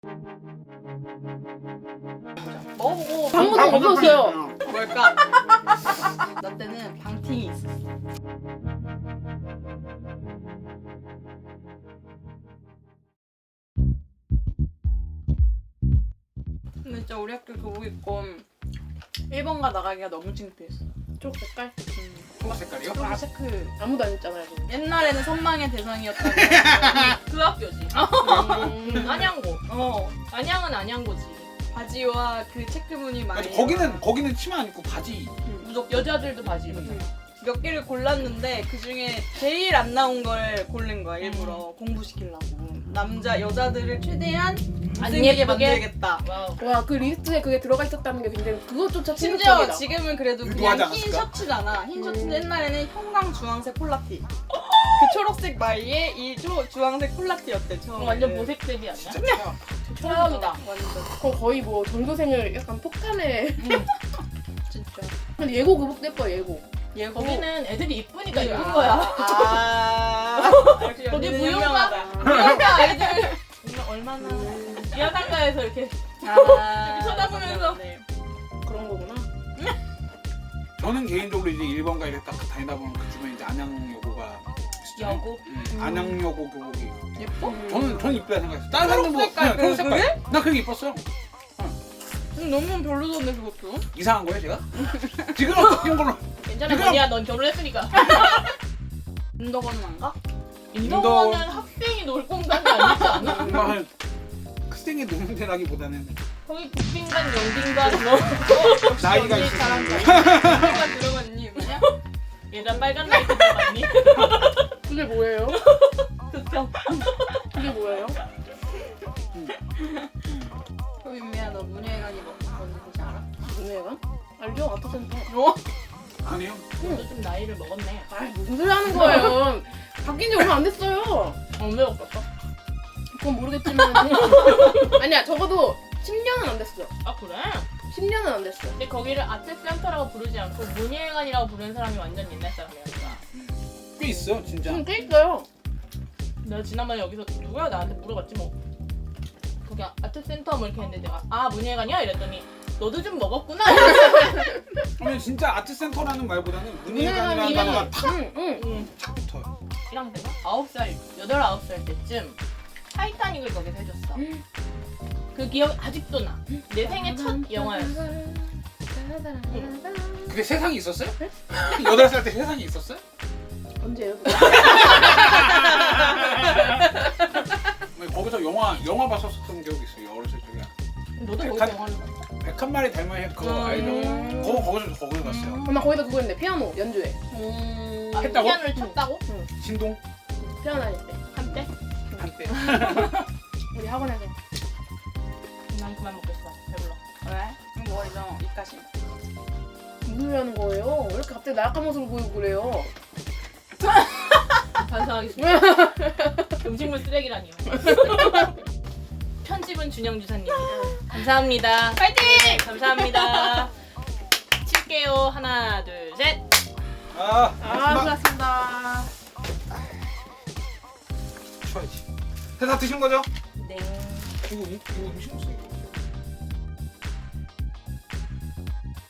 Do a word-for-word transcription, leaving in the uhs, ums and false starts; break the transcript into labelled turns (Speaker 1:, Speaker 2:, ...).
Speaker 1: 먹어보고
Speaker 2: 방금 없었어요.
Speaker 1: 뭘까? 나 때는 방팅이 있었어. 근데 진짜 우리 학교 교복 입고 일 번가 나가기가 너무 창피했어.
Speaker 2: 쪽 색깔?
Speaker 3: 초록 색깔이요?
Speaker 1: 아, 체크.
Speaker 2: 아무도 안 했잖아요.
Speaker 1: 옛날에는 선망의 대상이었다고.
Speaker 4: 그 학교지.
Speaker 2: 음.
Speaker 4: 안양고.
Speaker 1: 어.
Speaker 4: 안양은 안양고지.
Speaker 1: 바지와 그 체크무늬 많이.
Speaker 3: 아니, 거기는 거기는 치마 안 입고 바지.
Speaker 4: 무조건 여자들도 바지 입었잖아.
Speaker 1: 몇 개를 골랐는데 그 중에 제일 안 나온 걸 고른 거야 일부러 공부시키려고. 남자 여자들을 최대한
Speaker 4: 안
Speaker 1: 못생기게
Speaker 4: 예쁘게?
Speaker 1: 만들겠다.
Speaker 4: 와우.
Speaker 2: 와, 그 리스트에 그게 들어가 있었다는 게 굉장히 그것조차
Speaker 1: 심지어
Speaker 2: 충격적이다.
Speaker 1: 지금은 그래도
Speaker 3: 의도하지
Speaker 1: 그냥 흰
Speaker 3: 않았을까?
Speaker 1: 셔츠잖아. 흰 셔츠인데
Speaker 2: 음.
Speaker 1: 옛날에는 형광 주황색 콜라티. 그 초록색 마이에 이 조, 주황색 콜라티였대 처음에.
Speaker 4: 완전 보색색이 아니야?
Speaker 3: 진짜 최악.
Speaker 4: 최악이다.
Speaker 1: 완전
Speaker 2: 그럼 거의 뭐 전교생을 약간 폭탄에.
Speaker 1: 진짜.
Speaker 2: 근데 예고 교복도 예뻐, 예고.
Speaker 1: 예고.
Speaker 4: 거기는 애들이 이쁘니까
Speaker 1: 아.
Speaker 4: 입은 거야.
Speaker 1: 아. 역시
Speaker 4: 거기
Speaker 1: 연기는
Speaker 4: 무용가?
Speaker 1: 현명하다.
Speaker 4: 그러니까 아이들
Speaker 1: 얼마나.
Speaker 4: 야단가에서 이렇게
Speaker 1: 아.
Speaker 4: 이렇게 쳐다보면서.
Speaker 1: 네.
Speaker 2: 그런 거구나.
Speaker 3: 저는 개인적으로 이제 일 번가 이렇게 딱 다니다 보면 그 주변에 이제 안양여고가 있었잖아요.
Speaker 4: 여고.
Speaker 3: 음, 안양여고 교복이.
Speaker 1: 예뻐?
Speaker 2: 음.
Speaker 3: 저는 저는 이쁘다 생각했어요. 다른 사람들 뭐
Speaker 1: 색깔,
Speaker 3: 그냥
Speaker 1: 그-
Speaker 3: 색깔. 나 그게 이뻤어요.
Speaker 1: 음, 너무 별로던데 그것도.
Speaker 3: 이상한 거예요 제가? 지금 어떤 걸로?
Speaker 4: 괜찮아
Speaker 3: 지금-
Speaker 4: 언니야 넌 결혼했으니까.
Speaker 1: 인덕원은 안 가?
Speaker 4: 인도원은 학생이 놀 공간이 아니지 않아?
Speaker 3: 정말 학생이 노는 데라기보다는
Speaker 4: 거기 국빈관, 영빈관 뭐
Speaker 3: 나이가
Speaker 1: 언니
Speaker 3: 있으신
Speaker 1: 잘한다.
Speaker 3: 분.
Speaker 1: 잠깐 들어봤니 뭐냐?
Speaker 4: 예전 빨간 라이트 들어갔니?
Speaker 2: 그게 뭐예요?
Speaker 4: 극혐.
Speaker 2: 그게 뭐예요?
Speaker 1: 효빈미야 너 문예관이 뭐 뭔지 혹시 알아?
Speaker 2: 무슨 애가? 알죠? 아트센터.
Speaker 1: 어?
Speaker 3: 아니요.
Speaker 4: 너도 좀 나이를 먹었네.
Speaker 2: 아, 무슨 소리 하는 거예요? 바뀐 지 얼마 안 됐어요.
Speaker 4: 언제 먹었어?
Speaker 2: 그건 모르겠지만. 아니야, 적어도 십 년은 안 됐어.
Speaker 4: 아 그래?
Speaker 2: 십 년은 안 됐어.
Speaker 4: 근데 거기를 아트센터라고 부르지 않고 문예관이라고 부르는 사람이 완전 옛날 사람이야. 누가.
Speaker 3: 꽤 있어 진짜.
Speaker 2: 응, 꽤 있어요.
Speaker 4: 내가 지난번에 여기서 누가 나한테 물어봤지 뭐. 거기 아트센터 뭐 이렇게 했는데 내가 아 문예관이야? 이랬더니 너도 좀 먹었구나.
Speaker 3: 그러면 진짜 아트센터라는 말보다는 문예관이라는
Speaker 2: 문예관이-
Speaker 3: 단어가 탁
Speaker 2: 응, 응.
Speaker 4: 응.
Speaker 3: 붙어요.
Speaker 4: 일 학년 때가 아홉 살, 여덟 아홉 살 때쯤 타이타닉을 거기서 해줬어. 그 기억 아직도 나. 내 생애 첫 영화였어.
Speaker 3: 그게 세상이 있었어요? 여덟 살 때 세상이 있었어요?
Speaker 2: 언제요?
Speaker 3: 거기서 영화 영화 봤었던 기억이 있어요. 어렸을 적에.
Speaker 4: 너도 거기서
Speaker 3: 백한-
Speaker 4: 영화를 봤어.
Speaker 3: 백한 마리 닮은 애 그거
Speaker 1: 음.
Speaker 3: 알죠? 거기 거기서 거기서 봤어요.
Speaker 2: 엄마 거기다 그거 했는데 피아노 연주회.
Speaker 1: 음.
Speaker 4: 아,
Speaker 3: 했다고?
Speaker 4: 피아노를 쳤다고?
Speaker 3: 신동
Speaker 2: 피아노 다닐 때
Speaker 4: 한때?
Speaker 3: 한때.
Speaker 2: 우리 학원에서.
Speaker 4: 난 그만 먹겠어. 배불러.
Speaker 1: 왜? 뭐 이런 입가심.
Speaker 2: 무슨 소리 하는 거예요? 왜 이렇게 갑자기 나약한 모습을 보이고 그래요?
Speaker 4: 반성하겠습니다. 음식물 쓰레기라니요. 편집은 준영 주사님. 감사합니다. 파이팅! 네, 감사합니다. 칠게요. 하나, 둘, 셋.
Speaker 3: 아,
Speaker 2: 아,
Speaker 3: 막
Speaker 2: 수고하셨습니다.
Speaker 3: 쳐야지. 다 드신 거죠?
Speaker 4: 네.
Speaker 3: 이거 음- 이거 음식 없어 이거.